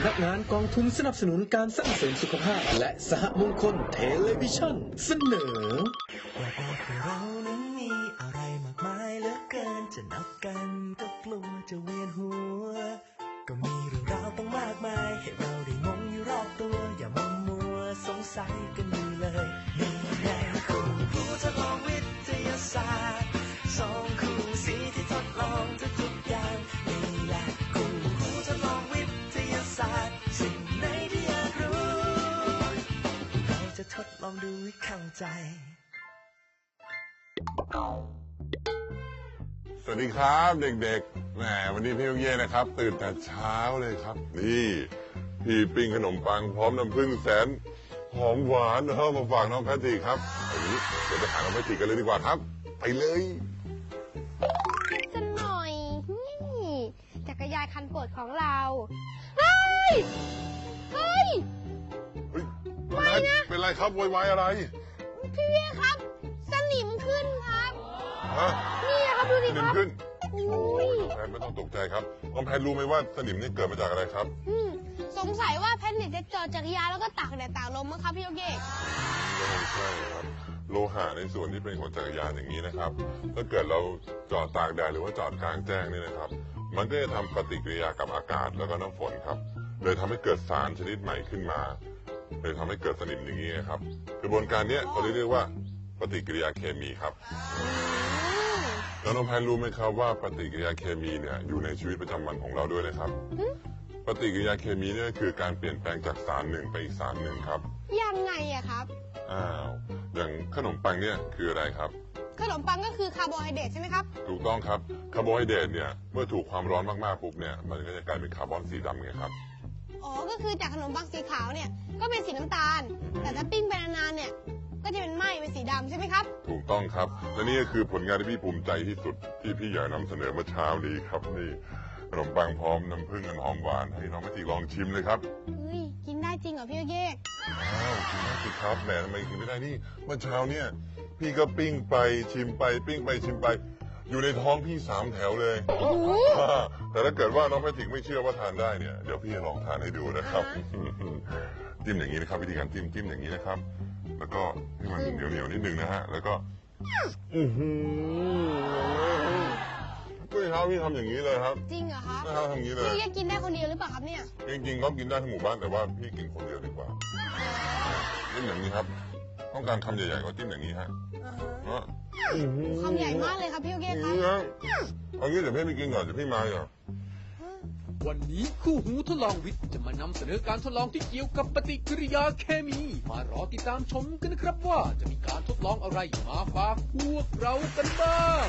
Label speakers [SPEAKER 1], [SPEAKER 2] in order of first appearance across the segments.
[SPEAKER 1] ำนักงานกองทุนสนับสนุนการสร้างเสริมสุขภาพและสหมงคลเทเลวิชั่นเสนอ
[SPEAKER 2] ว่าเรานั้นมีอะไรมากมายเหลือเกินจะนับกันก็กลัวจะเวียนหัวก็มีเรื่องราวต้องมากมายให้เราได้งงอยู่รอบตัวอย่ามัวสงสัยกันอยู่เลยนี่แหละคู่หูทดลองวิทยาศาสตร์สองคู่สีที่ทดลองทุกอย่างนี่แหละคู่หูทดลองวิทยาศาสตร์สิ่งไหนที่อยากรู้เราจะทดลองดูให้เข้าใจ
[SPEAKER 3] สวัสดีครับเด็กๆแหมวันนี้พี่ลูกเย่นะครับตื่นแต่เช้าเลยครับนี่พี่ปิ้งขนมปังพร้อมน้ำผึ้งแสนหอมหวานมาฝากน้องแพทริกครับอย่างนี้เดี๋ยวไปหาน้องแพทริกกันเลยดีกว่าครับไปเลย
[SPEAKER 4] จะหน่อยนี่จักรยานคันโปรดของเราเฮ้ย
[SPEAKER 3] ไม่นะเป็นไรครับโวยวายอะไร
[SPEAKER 4] พี่เย่ครับสนิมขึ้นครับ
[SPEAKER 3] ฮะ
[SPEAKER 4] นี่ครับดูดิครับ
[SPEAKER 3] สนิมขึ้นโอ้ยน้องแพทไม่ต้องตกใจครับน้องแพทรู้ไหมว่าสนิมนี่เกิดมาจากอะไรครับ
[SPEAKER 4] สงสัยว่าแพทเนี่ยจะจอดจักรยานแล้วก็ตากแดดตากลมมั้งครับพี่โยเกะ
[SPEAKER 3] ไม่ใช่ครับโลหะในส่วนที่เป็นของจักรยานอย่างนี้นะครับถ้าเกิดเราจอดตากแดดหรือว่าจอดกลางแจ้งนี่นะครับมันก็จะทำปฏิกิริยากับอากาศแล้วก็น้ำฝนครับเลยทำให้เกิดสารชนิดใหม่ขึ้นมาเลยทำให้เกิดสนิมอย่างนี้ครับกระบวนการนี้เขาเรียกว่าปฏิกิริยาเคมีครับแล้วน้องแพนรู้ไหมครับว่าปฏิกิริยาเคมีเนี่ยอยู่ในชีวิตประจำวันของเราด้วยนะครับปฏิกิริยาเคมีนี่ก็คือการเปลี่ยนแปลงจากสารหนึ่งไปอีกสารหนึ่งครับ
[SPEAKER 4] ยังไงอะครับ
[SPEAKER 3] อย่างขนมปังเนี่ยคืออะไรครับ
[SPEAKER 4] ขนมปังก็คือคาร์โบไฮเดรตใช่ไหมครับ
[SPEAKER 3] ถูกต้องครับคาร์โบไฮเดรตเนี่ยเมื่อถูกความร้อนมากๆปุ๊บเนี่ยมันก็จะกลายเป็นคาร์บอนสีดำไงครับ
[SPEAKER 4] อ๋อก็คือจากขนมปังสีขาวเนี่ยก็เป็นสีน้ำตาลแต่ถ้าปิ้งไปนานๆเนี่ยก็จะเป็นไหม้เป็นสีดำใช่ไหมครับ
[SPEAKER 3] ถูกต้องครับและนี่ก็คือผลงานที่พี่ภูมิใจที่สุดที่พี่อยากนำเสนอเมื่อเช้านี้ครับนี่ขนมปังพร้อมน้ำผึ้งอันหอมหวานให้น้องแพทริกลองชิมเลยครับ
[SPEAKER 4] กินได้จริงเหรอพี่โยเกะ
[SPEAKER 3] กินได้สิครับแหมทำไมกินไม่ได้นี่เมื่อเช้าเนี่ยพี่ก็ปิ้งไปชิมไปปิ้งไปชิมไปอยู่ในท้องพี่3 แถวเลยแต่ถ้าเกิดว่าน้องแพทริกไม่เชื่อว่าทานได้เนี่ยเดี๋ยวพี่จะลองทานให้ดูนะครับจิ้มอย่างนี้นะครับวิธีการจิ้มอย่างนี้นะครับแล้วก็ให้มันเหนียวนิดนึงนะฮะแล้วก็ก็เช้าพี่ทำอย่างนี้เลยครับ
[SPEAKER 4] จริงเหรอครับ
[SPEAKER 3] ทำอย่างนี้เลย
[SPEAKER 4] พี่กินได้คนเดียวหรือเปล่าครับเนี่ย
[SPEAKER 3] จริงๆก็กินได้ทั้งหมู่บ้านแต่ว่าพี่กินคนเดียวดีกว่าจิ้มอย่างนี้ครับต้องการคำใหญ่ๆก็จิ้มอย่างนี้ฮะ
[SPEAKER 4] คำใหญ่มากเลยครับพี่โอเคครับ
[SPEAKER 3] เอางี้เดี๋ยวพี่ไปกินก่อนเดี๋ยวพี่มาอ่ะ
[SPEAKER 1] วันนี้คู่หูทดลองวิทย์จะมานำเสนอการทดลองที่เกี่ยวกับปฏิกิริยาเคมีมารอติดตามชมกันนะครับว่าจะมีการทดลองอะไรมาฝากพวกเรากันบ้าง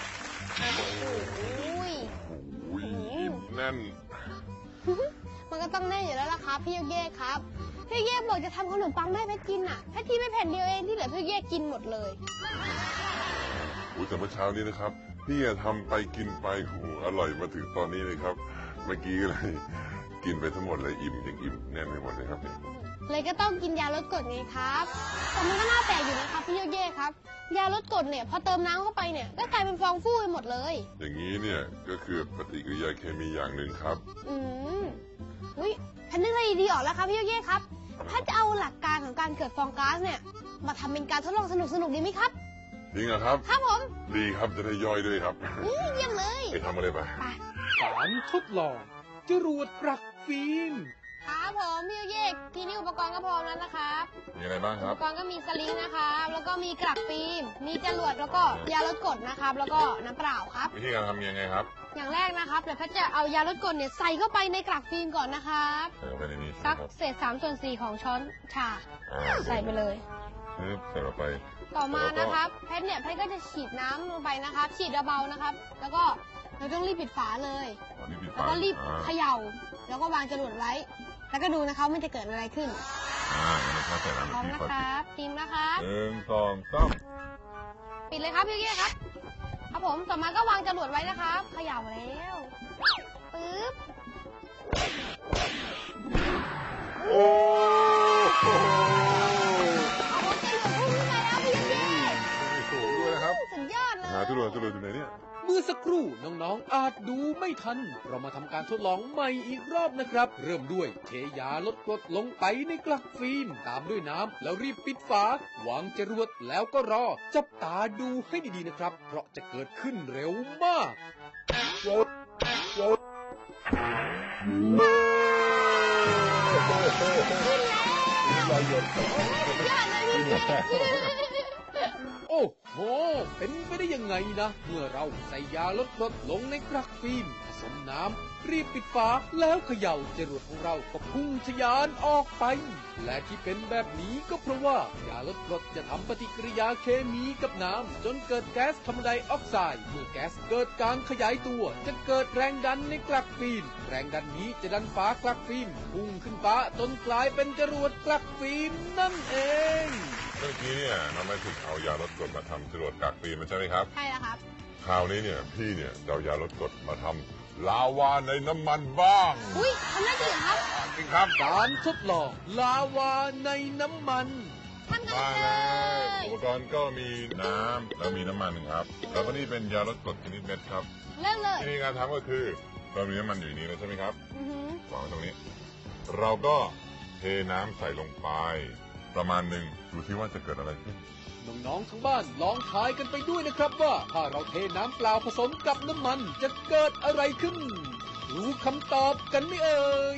[SPEAKER 3] แน่น
[SPEAKER 4] มันก็ต้องแน่อยู่แล้วล่ะครับพี่โยเกะครับพี่โยเกะบอกจะทำขนมปังให้แพทกินอ่ะแพทกินไม่แผ่นเดียวเองที่เหลือพี่โยเกะกินหมดเลย
[SPEAKER 3] แต่เมื่อเช้านี้นะครับพี่ทำไปกินไปอร่อยมาถึงตอนนี้เลยครับเมื่อกี้เลยกินไปทั้งหมดเลยอิ่มแน่นไปหมดเลยครับ
[SPEAKER 4] เลยก็ต้องกินยาลดกรดไงครับแต่มันก็น่าแปลกอยู่นะครับพี่โยเกะครับยาลดกรดเนี่ยพอเติมน้ำเข้าไปเนี่ยก็กลายเป็นฟองฟูไปหมดเลย
[SPEAKER 3] อย่างนี้เนี่ยก็คือปฏิกิริยาเคมีอย่างหนึ่งครับ
[SPEAKER 4] แพทนึกอะไรดีออกแล้วครับพี่โยเกะครับถ้าจะเอาหลักการของการเกิดฟองก๊าซเนี่ยมาทำเป็นการทดลองสนุกดีไหมครับ
[SPEAKER 3] จริงเหรอครับ
[SPEAKER 4] ครับผม
[SPEAKER 3] ดีครับจะได้ย่อยด้วยครับ
[SPEAKER 4] เยี่ยมเลย
[SPEAKER 3] ไปทำอะไรไป
[SPEAKER 1] การทดลองจรวดกลักฟิล์ม
[SPEAKER 4] ครับผมพี่โยเกะทีนี้อุปกรณ์ก็พร้อมแล้วนะครับ
[SPEAKER 3] มีอะไรบ้างครับ
[SPEAKER 4] อุปกรณ์ก็มีสลิงนะครับแล้วก็มีกลักฟิล์มมีจรวดแล้วก็ยาลดกรดนะครับแล้วก็น้ำเปล่าครับ
[SPEAKER 3] วิธีการทำยังไงครับ
[SPEAKER 4] อย่างแรกนะครับเดี๋ยวแพทจะเอายาลดกรดเนี่ยใส่เข้าไปในกลักฟิล์มก่อนนะครับสักเศษ3/4ของช้อนชาใส่ไปเลย
[SPEAKER 3] ใส่ลงไป
[SPEAKER 4] ต่อมานะครับแพทก็จะฉีดน้ำลงไปนะครับฉีดเบาๆนะครับแล้วก็เราต้องรีบปิดฝาเลยแล้วก็รีบเขย่าแล้วก็วางจรวดไว้แล้วก็ดูนะครับมันจะเกิดอะไรขึ้นพร้อมนะครับทีมนะครับ
[SPEAKER 3] 1 2 3
[SPEAKER 4] ปิดเลยครับพี่เกี้ยครับครับผมต่อมาก็วางจรวดไว้นะครับเขย่าแล้วปึ๊บ
[SPEAKER 3] โอ้โห
[SPEAKER 4] สุดยอดเลย
[SPEAKER 3] จรวดอยู่ไหนเนี่ย
[SPEAKER 1] เมื่อสักครู่น้องอาจดูไม่ทันเรามาทำการทดลองใหม่อีกรอบนะครับเริ่มด้วยเทยาลดกรดลงไปในกลักฟิล์มตามด้วยน้ำแล้วรีบปิดฝาวางจรวดแล้วก็รอจับตาดูให้ดีๆนะครับเพราะจะเกิดขึ้นเร็วมากโอ้โหเป็นไปได้ยังไงนะเมื่อเราใส่ยาลดกรดลงในกลักฟิล์มผสมน้ำรีบปิดฝาแล้วเขย่าจรวดของเราก็พุ่งทะยานออกไปและที่เป็นแบบนี้ก็เพราะว่ายาลดกรดจะทำปฏิกิริยาเคมีกับน้ำจนเกิดแก๊สคาร์บอนไดออกไซด์เมื่อแก๊สเกิดการขยายตัวจะเกิดแรงดันในกลักฟิล์มแรงดันนี้จะดันฝากลักฟิล์มพุ่งขึ้นฟ้าจนกลายเป็นจรวดกลักฟิล์มนั่นเอง
[SPEAKER 3] เมื่อกี้เนี่ยน้องแมจิกเอายาลดกรดมาทำจรวดกากฟิล์มมันใช่ไหมครับ
[SPEAKER 4] ใช่แล้วครับ
[SPEAKER 3] คราวนี้เนี่ยพี่เนี่ยจะเอายาลดกรดมาทำลาวาในน้ำมันบ้าง
[SPEAKER 4] อุ้ยทำได้จริงครับ
[SPEAKER 3] จริงครับ
[SPEAKER 1] การทดลองลาวาในน้ำมัน
[SPEAKER 4] ทำกันเลย
[SPEAKER 3] อุปกรณ์ก็มีน้ำแล้วมีน้ำมันครับแล้วก็นี่เป็นยาลดกรดชนิดเม็ดครับ
[SPEAKER 4] เริ่มเลย
[SPEAKER 3] วิธีการทำก็คือเรามีน้ำมันอยู่ในนี้ใช่ไหมครับวางไว้ตรงนี้เราก็เทน้ำใส่ลงไปประมาณหนึ่งดูซิว่าจะเกิดอะไรขึ้น
[SPEAKER 1] น้องๆทั้งบ้านลองทายกันไปด้วยนะครับว่าถ้าเราเทน้ำเปล่าผสมกับน้ำมันจะเกิดอะไรขึ้นรู้คำตอบกันไหมเอ่ย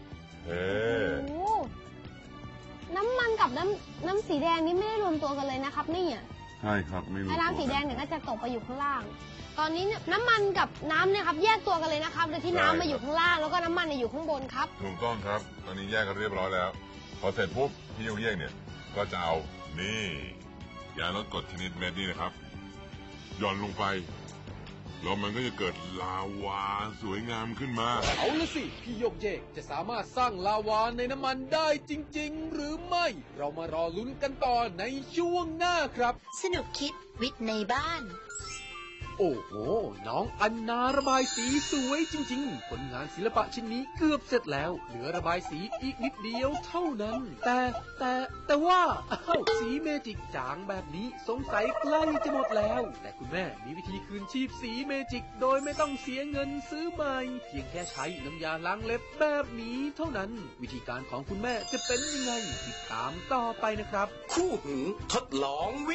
[SPEAKER 4] น้ำมันกับน้ำสีแดงนี่ไม่ได้รวมตัวกันเลยนะครับนี่
[SPEAKER 3] ใช่ครับไม่รู้
[SPEAKER 4] น้ำสีแดงเนี่ยก็จะตกไปอยู่ข้างล่างตอนนี้น้ำมันกับน้ำเนี่ยครับแยกตัวกันเลยนะครับโดยที่น้ำมาอยู่ข้างล่างแล้วก็น้ำมันอยู่ข้างบนครับ
[SPEAKER 3] ถูกต้องครับตอนนี้แยกกันเรียบร้อยแล้วพอเสร็จปุ๊บพี่โยกเนี่ยก็จะเอานี่ยาลดกรดชนิดเม็ดนี่นะครับหย่อนลงไปแล้วมันก็จะเกิดลาวาสวยงามขึ้นมา
[SPEAKER 1] เอาละสิพี่โยกเยกจะสามารถสร้างลาวาในน้ำมันได้จริงๆหรือไม่เรามารอลุ้นกันต่อในช่วงหน้าครับ
[SPEAKER 5] สนุกคิดวิทย์ในบ้าน
[SPEAKER 1] โอ้โหน้องอันนาระบายสีสวยจริงๆผลงานศิลปะชิ้นนี้เกือบเสร็จแล้วเหลือระบายสีอีกนิดเดียวเท่านั้นแต่ว่าสีเมจิกจางแบบนี้สงสัยใกล้จะหมดแล้วแต่คุณแม่มีวิธีคืนชีพสีเมจิกโดยไม่ต้องเสียเงินซื้อใหม่เพียงแค่ใช้น้ำยาล้างเล็บแบบนี้เท่านั้นวิธีการของคุณแม่จะเป็นยังไงติดตามต่อไปนะครับ
[SPEAKER 2] คู่หูทดลองวิ